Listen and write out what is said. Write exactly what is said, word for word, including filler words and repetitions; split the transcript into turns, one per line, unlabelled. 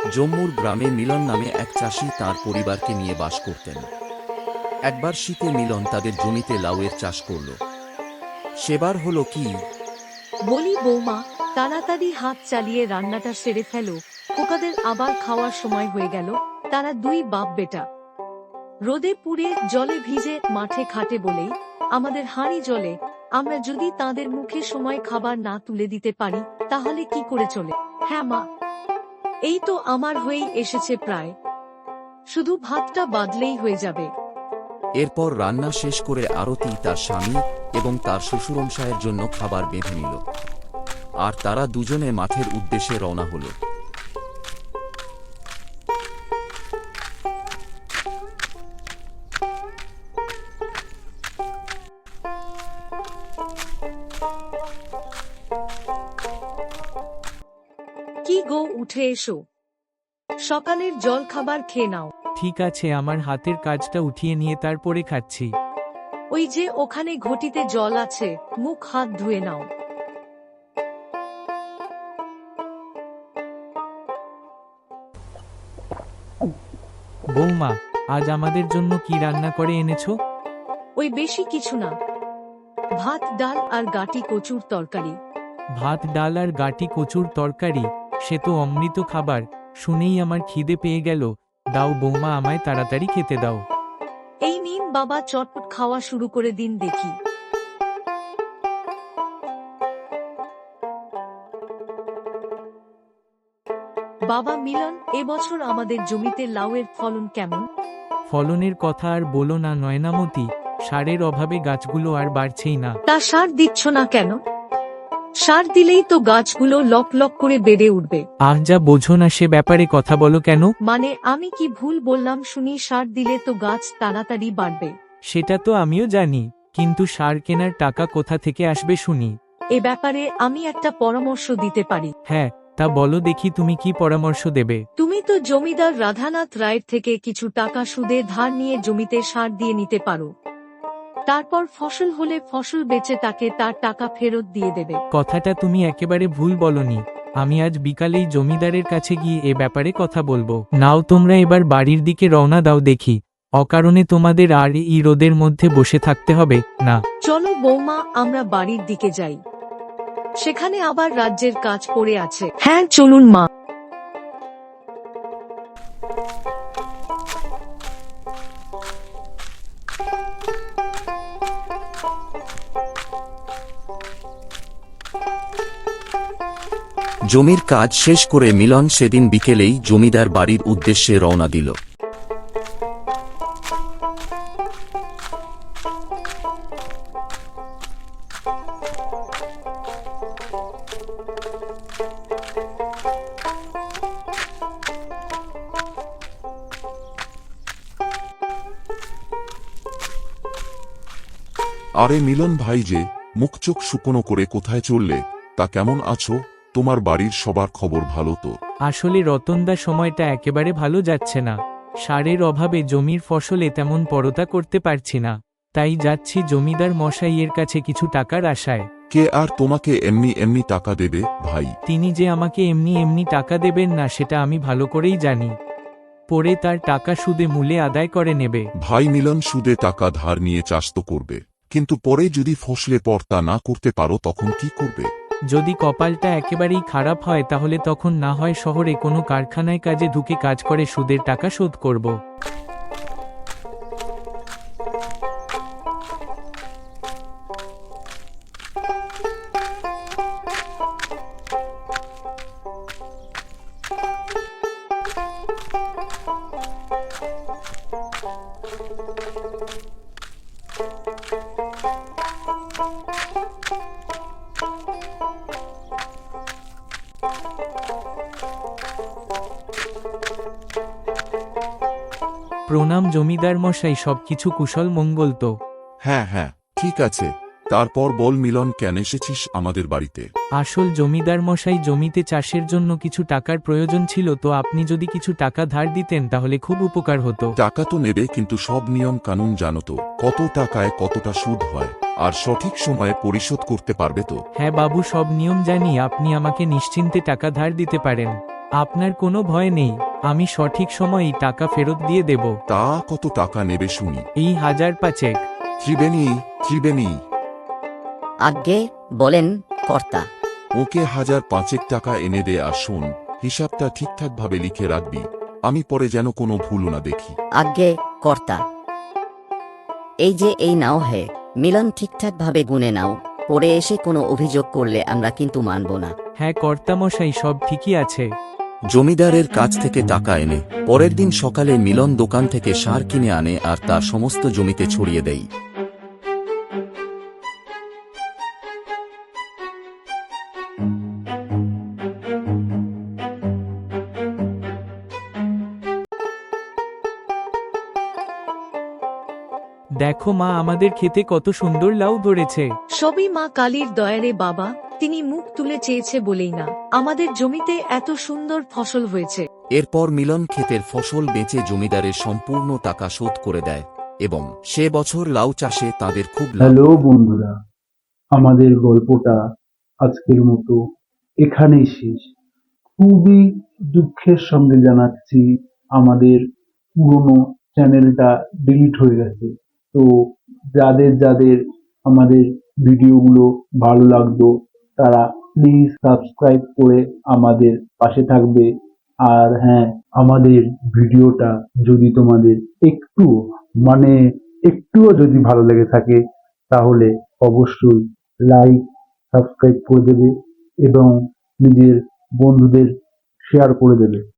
জম্মুর গ্রামে মিলন নামে এক চাষি তার পরিবারকে নিয়ে বাস করতেন। একবার শীতে মিলন তাদের জমিতে লাউয়ের চাষ করল। সেবার হলো কি,
বলি বৌমা, তাড়াতাড়ি হাত চালিয়ে রান্নাটা সেরে ফেলো, খোকাদের আবার খাওয়ার সময় হয়ে গেল। তারা দুই বাপ বেটা রোদে পুড়ে জলে ভিজে মাঠে খাটে বলেই আমাদের হাঁড়ি জলে। আমরা যদি তাদের মুখে সময় খাবার না তুলে দিতে পারি তাহলে কি করে চলে? হ্যাঁ মা, এই তো আমার হয়েই এসেছে প্রায়, শুধু ভাতটা বাদলেই হয়ে যাবে।
এরপর রান্না শেষ করে আরতি তার স্বামী এবং তার শ্বশুরমশায়ের জন্য খাবার বেঁধে নিল, আর তারা দুজনে মাঠের উদ্দেশ্যে রওনা হল।
কি গো, উঠে এসো, সকালের জল খাবার খেয়ে নাও।
ঠিক আছে, আমার হাতের কাজটা উঠিয়ে নিয়ে তারপরে খাচ্ছি।
ওই যে ওখানে ঘটিতে জল আছে, মুখ হাত ধুয়ে নাও।
বৌমা, আজ আমাদের জন্য কি রান্না করে এনেছো?
ওই বেশি কিছু না, ভাত ডাল আর গাটি কচুর তরকারি।
ভাত ডাল আর গাটি কচুর তরকারি, সে তো অমৃত খাবার। শুনেই আমার খিদে পেয়ে গেল। দাও বৌমা, আমায় তাড়াতাড়ি খেতে দাও।
এই নিন বাবা, চটপট খাওয়া শুরু করে দিন দেখি। বাবা মিলন, এবছর আমাদের জমিতে লাউয়ের ফলন কেমন?
ফলনের কথা আর বলো না নয়নামতি, সারের অভাবে গাছগুলো আর বাড়ছেই না।
তা সার দিচ্ছ না কেন? সার দিলেই তো গাছগুলো লক লক করে বেড়ে উঠবে।
আহ, যা বোঝো না সে ব্যাপারে কথা বলো কেন?
মানে আমি কি ভুল বললাম শুনি? সার দিলে তো গাছ তাড়াতাড়ি বাড়বে।
সেটা তো আমিও জানি, কিন্তু সার কেনার টাকা কোথা থেকে আসবে শুনি?
এ ব্যাপারে আমি একটা পরামর্শ দিতে পারি।
হ্যাঁ, তা বলো দেখি, তুমি কি পরামর্শ দেবে?
তুমি তো জমিদার রাধানাথ রায়ের থেকে কিছু টাকা সুদে ধার নিয়ে জমিতে সার দিয়ে নিতে পারো। তারপর ফসল হলে ফসল বেচে তাকে তার টাকা ফেরত দিয়ে দেবে।
কথাটা তুমি একেবারে ভুল বলনি। আমি আজ বিকালেই জমিদারের কাছে গিয়ে এ ব্যাপারে কথা বলবো। নাও তোমরা এবার বাড়ির দিকে রওনা দাও দেখি, অকারণে তোমাদের আর এই রোদের মধ্যে বসে থাকতে হবে না।
চলো বৌমা, আমরা বাড়ির দিকে যাই, সেখানে আবার রাজ্যের কাজ পড়ে আছে। হ্যাঁ চলুন মা।
জমির কাজ শেষ করে মিলন সেদিন বিকেলেই জমিদার বাড়ির উদ্দেশ্যে রওনা দিল।
আরে মিলন ভাই যে, মুখ চোখ শুকনো করে কোথায় চললে? তা কেমন আছো? তোমার বাড়ির সবার খবর ভালো তো?
আসলে রতনদা, সময়টা একেবারে ভালো যাচ্ছে না। সারের অভাবে জমির ফসলে তেমন পরতা করতে পারছি না, তাই যাচ্ছি জমিদার মশাইয়ের কাছে কিছু টাকার আশায়।
কে আর তোমাকে এমনি এমনি টাকা দেবে ভাই?
তিনি যে আমাকে এমনি এমনি টাকা দেবেন না সেটা আমি ভালো করেই জানি। পরে তার টাকা সুদে মূলে আদায় করে নেবে।
ভাই মিলন, সুদে টাকা ধার নিয়ে চাষ তো করবে, কিন্তু পরে যদি ফসলে পর্তা না করতে পারো তখন কি করবে?
যদি কপালটা একেবারেই খারাপ হয় তাহলে তখন না হয় শহরে কোনো কারখানায় কাজে ঢুকে কাজ করে সুদের টাকা শোধ করব।
প্রণাম জমিদার মশাই, সবকিছু কুশল মঙ্গল তো?
হ্যাঁ হ্যাঁ, ঠিক আছে।
তারপর বল মিলন, কেন এসেছিস আমাদের বাড়িতে?
আসল জমিদার মশাই, জমিতে চাষের জন্য কিছু টাকার প্রয়োজন ছিল, তো আপনি যদি কিছু টাকা ধার দিতেন তাহলে খুব উপকার হতো।
টাকা তো নেবে, কিন্তু সব নিয়ম কানুন জানো তো? কত টাকায় কতটা সুদ হয়, আর সঠিক সময়ে পরিশোধ করতে পারবে তো?
হ্যাঁ বাবু, সব নিয়ম জানি। আপনি আমাকে নিশ্চিন্তে টাকা ধার দিতে পারেন। আপনার কোনো ভয় নেই, আমি সঠিক সময়েই টাকা ফেরত দিয়ে দেব।
তা কত টাকা নেবে শুনি?
এই হাজার পাঁচেক।
ত্রিবেণী, ত্রিবেণী,
আজ্ঞে বলেন কর্তা।
ওকে হাজার পাঁচেক টাকা এনে দে, আর শোন, হিসাবটা ঠিকঠাকভাবে লিখে রাখবি, আমি পরে যেন কোনো ভুল না দেখি।
আজ্ঞে কর্তা। এই যে এই নাও হে, মিলন ঠিকঠাক ভাবে গুনে নাও, পরে এসে কোনো অভিযোগ করলে আমরা কিন্তু মানব না।
হ্যাঁ কর্তামশাই, সব ঠিকই আছে।
জমিদারের কাছ থেকে টাকা এনে পরের দিন সকালে মিলন দোকান থেকে সার কিনে আনে আর তা সমস্ত জমিতে ছড়িয়ে দেয়।
দেখো মা, আমাদের খেতে কত সুন্দর লাউ ধরেছে।
সবই মা কালীর দয়ারে বাবা, তিনি মুখ তুলে চেয়েছে বলেই না আমাদের জমিতে এত সুন্দর ফসল হয়েছে।
এরপর মিলন ক্ষেতের ফসল বেচে জমিদারের সম্পূর্ণ টাকা শোধ করে দেয় এবং সে বছর লাউ চাষে তাদের খুব লাভ।
হ্যালো বন্ধুরা, আমাদের গল্পটা আজকের মতো এখানেই শেষ। খুবই দুঃখের সঙ্গে জানাচ্ছি, আমাদের পুরনো চ্যানেলটা ডিলিট হয়ে গেছে। তো যাদের যাদের আমাদের ভিডিওগুলো ভালো লাগতো তারা প্লিজ সাবস্ক্রাইব করে আমাদের পাশে থাকবে। আর হ্যাঁ, আমাদের ভিডিওটা যদি তোমাদের একটু মানে একটুও যদি ভালো লেগে থাকে তাহলে অবশ্যই লাইক সাবস্ক্রাইব করে দেবে এবং নিজের বন্ধুদের শেয়ার করে দেবে।